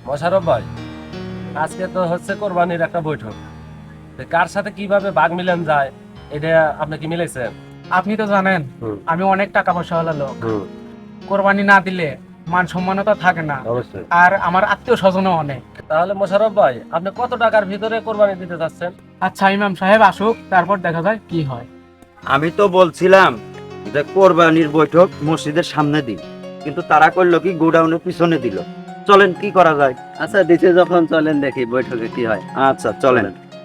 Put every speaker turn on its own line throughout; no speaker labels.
মোশাররফ ভাই, আজকে তো হচ্ছে কোরবানির একটা বৈঠক। তো কার সাথে কিভাবে ভাগ মিলান যায় এটা আপনি কি মিলাইছেন?
আপনি তো জানেন আমি অনেক টাকা পয়সা হলো লোক। কোরবানি না দিলে মান সম্মানও তো থাকে না,
অবশ্যই।
আর আমার আত্মীয় স্বজনও অনেক।
তাহলে মোশাররফ ভাই, আপনি কত টাকার ভিতরে কোরবানি দিতে চাচ্ছেন?
আচ্ছা ইমাম সাহেব আসুক, তারপর দেখা যায় কি হয়।
আমি তো বলছিলাম যে কোরবানির বৈঠক মসজিদের সামনে দিন, কিন্তু তারা করলো কি গোডাউনের পিছনে দিল। চলেন কি করা যায়?
আচ্ছা দিছে যখন চলেন দেখি বৈঠকে কি হয়।
আচ্ছা চলেন।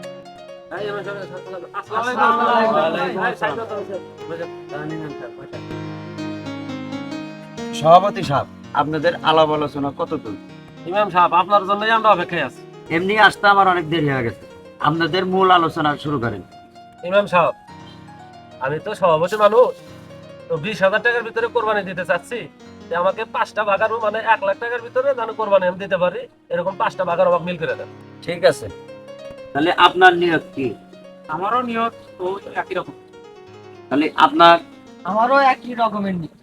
সভাপতি সাহেব, আপনাদের আলাপ আলোচনা কত দূর?
ইমাম সাহেব, আপনার জন্যই আমরা অপেক্ষায় আছি।
এমনি আসতে আমার অনেক দেরি হয়ে গেছে, আপনাদের মূল আলোচনা শুরু করেন।
ইমাম সাহেব, আমি তো সভাপতি মানুষ, তো 20,000 টাকার ভিতরে কোরবানি দিতে চাচ্ছি। যে আমাকে 5টা ভাগারও মানে 1 লাখ টাকার ভিতরে যেন কোরবানি আমি দিতে পারি, এরকম 5টা ভাগার অভাব মিল করে দেন।
ঠিক আছে, তাহলে আপনার নিয়ত কি?
আমারও নিয়ত ওই একই রকম।
তাহলে আপনার,
আমারও একই রকমের নিয়ত।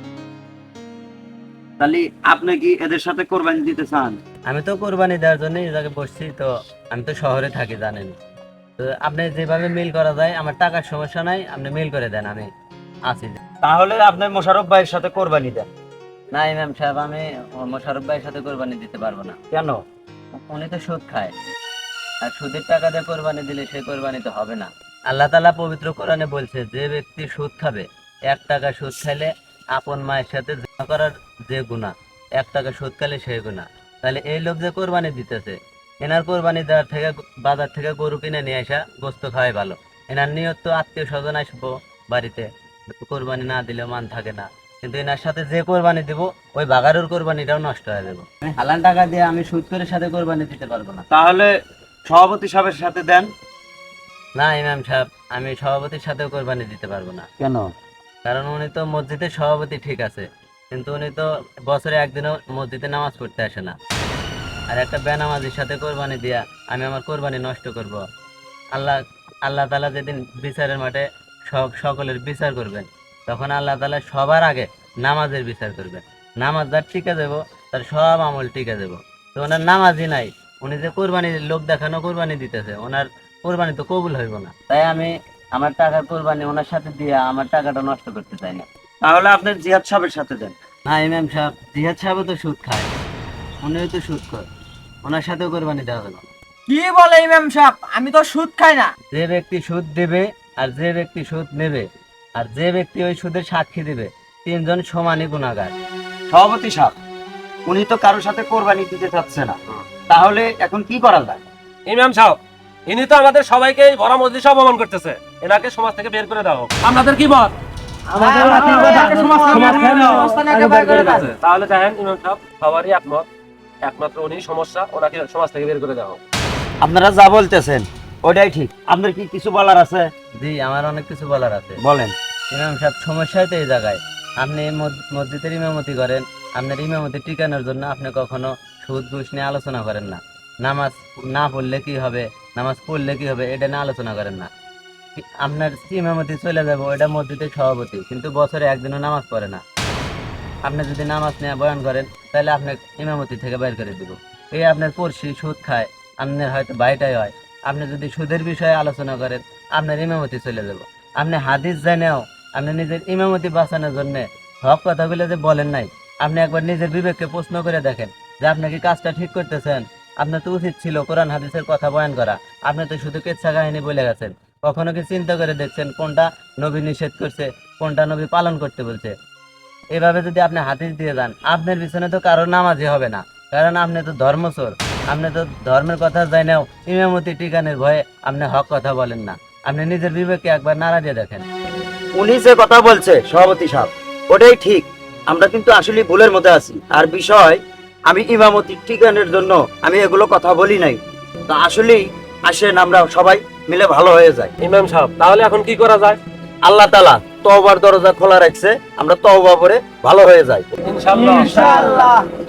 তাহলে আপনি কি এদের সাথে কোরবানি দিতে চান?
আমি তো কোরবানি দেওয়ার জন্য এই জায়গায় বসছি, তো আমি তো শহরে থাকি জানেন। তো আপনি যেভাবে মিল করা যায়, আমার টাকার সমস্যা নাই, আপনি মিল করে দেন, আমি আছি।
তাহলে আপনি মোশাররফ ভাইয়ের সাথে কোরবানি দেন।
না ইমাম সাহেব, আমি মোশাররফ ভাইয়ের সাথে কোরবানি দিতে পারবো না।
কেন?
উনি তো সুদ খায়, আর সুদের টাকা দিয়ে কোরবানি দিলে সেই কোরবানি তো হবে না। আল্লাহ তাআলা পবিত্র কোরআনে বলছে, যে ব্যক্তি সুদ খাবে, 1 টাকা সুদ খাইলে আপন মায়ের সাথে জিনা করার যে গুনাহ, 1 টাকা সুদ খাইলে সেই গুনাহ। তাহলে এই লোক যে কোরবানি দিতেছে, এনার কোরবানি দেওয়ার থেকে বাজার থেকে গরু কিনে নিয়ে আসা গোস্ত খাওয়াই ভালো। এনার নিয়ত তো আত্মীয় স্বজন আসবো বাড়িতে, কোরবানি না দিলে মান থাকে না। কিন্তু এনার সাথে যে কোরবানি দিব, ওই বাগারুর কোরবানিটাও নষ্ট হয়ে যাবে। হালাল টাকা দিয়ে আমি সুদ করে সাথে কোরবানি দিতে পারবো না।
তাহলে সভাপতি সাহেবের সাথে দেন।
না ইমাম সাহেব, আমি সভাপতির সাথেও কোরবানি দিতে পারবো না।
কেন?
কারণ উনি তো মসজিদের সভাপতি ঠিক আছে, কিন্তু উনি তো বছরে একদিনও মসজিদে নামাজ পড়তে আসে না। আর একটা বেনামাজির সাথে কোরবানি দিয়া আমি আমার কোরবানি নষ্ট করব? আল্লাহ আল্লাহ তাআলা যেদিন বিচারের মাঠে সকলের বিচার করবেন, তখন আল্লাহ তাআলা সবার আগে নামাজের বিচার করবেন। নামাজ যার টিকে যাব, তার সব আমল টিকে যাব। তো ওনার নামাজই নাই, উনি যে কোরবানি লোক দেখানো কোরবানি দিতেছে, ওনার কোরবানি তো কবুল হইব না। তাই আমি আমার টাকার কোরবানি ওনার সাথে দিয়ে আমার টাকাটা নষ্ট করতে চাই না।
তাহলে আপনি জিহাদ সাহেবের সাথে দেন।
না ইমাম সাহেব, জিহাদ সাহেবও তো সুদ খায়, উনিও তো সুদ খায়, ওনার সাথেও কোরবানি দেওয়া হবে না।
কি বলে ইমাম সাহেব, আমি তো সুদ খাই না।
যে ব্যক্তি সুদ দেবে, আর যে ব্যক্তি সুদ নেবে, আর যে ব্যক্তি ওই সুদের সাক্ষী দেবে, 3 জন সমানই গুনাহগার।
সভাপতি সাহেব, উনি তো কারোর সাথে কোরবানি দিতে চাচ্ছে না, তাহলে এখন কি করা যায়?
ইমাম সাহেব, ইনি তো আমাদের সবাইকে এই ভরা মজলিসে অপমান করতেছে। এনাকে সমাজ থেকে বের করে দাও। আপনাদের কি মত? তাহলে দেখেন ইমাম সাহেব, সবারই একমত, একমাত্র উনি সমস্যা, ওনাকে সমাজ থেকে বের করে দাও।
আপনারা যা বলতেছেন ওটাই ঠিক। আপনার কি কিছু বলার আছে?
জি, আমার অনেক কিছু বলার আছে।
বলেন।
ইমাম সাহেব, সমস্যাই তো এই জায়গায়। আপনি মসজিদের ইমামতি করেন, আপনার ইমামতি টিকানোর জন্য আপনি কখনো সুদ ঘুষ নিয়ে আলোচনা করেন না। নামাজ না পড়লে কি হবে, নামাজ পড়লে কি হবে, এটা নিয়ে আলোচনা করেন না। আপনার ইমামতি চলে যাবো, এটা মসজিদের সভাপতি, কিন্তু বছরে একদিনও নামাজ পড়ে না। আপনি যদি নামাজ নিয়ে বয়ান করেন, তাহলে আপনি ইমামতি থেকে বের করে দিব। এই আপনার পড়শি সুদ খায়, আপনার হয়তো বাইটাই হয়। আপনি যদি সুদের বিষয়ে আলোচনা করেন, আপনার ইমামতি চলে যাব। আপনি হাদিস জানেও আপনি নিজের ইমামতি বাঁচানোর জন্য হক কথাগুলো যে বলেন নাই, আপনি একবার নিজের বিবেককে প্রশ্ন করে দেখেন যে আপনি কি কাজটা ঠিক করতেছেন। আপনার তো উচিত ছিল কোরআন হাদিসের কথা বয়ান করা। আপনি তো শুধু কেচ্ছা কাহিনী বলে গেছেন। কখনো কি চিন্তা করে দেখছেন কোনটা নবী নিষেধ করছে, কোনটা নবী পালন করতে বলছে? এভাবে যদি আপনি হাদিস দিয়ে যান, আপনার পিছনে তো কারো নামাজই হবে না, কারণ আপনি তো ধর্মচোর। আপনি তো ধর্মের কথা জানেও ইমামতি টিকানের ভয়ে আপনি হক কথা বলেন না। আপনি নিজের বিবেককে একবার নাড়া দিয়ে দেখেন।
উনি যে কথা বলছে সভাপতি সাহেব, ওটাই ঠিক। আমরা কিন্তু আসলে ভুলের মধ্যে আছি। আর বিষয়, আমি ইমামতি ঠিকানের জন্য আমি এগুলো কথা বলি নাই। তা আসলেই আসেন আমরা সবাই মিলে ভালো হয়ে যায়।
ইমাম সাহেব, তাহলে এখন কি করা যায়?
আল্লাহ তাআলা তওবার দরজা খোলা রাখছে, আমরা তওবা করে ভালো হয়ে যাই
ইনশাআল্লাহ।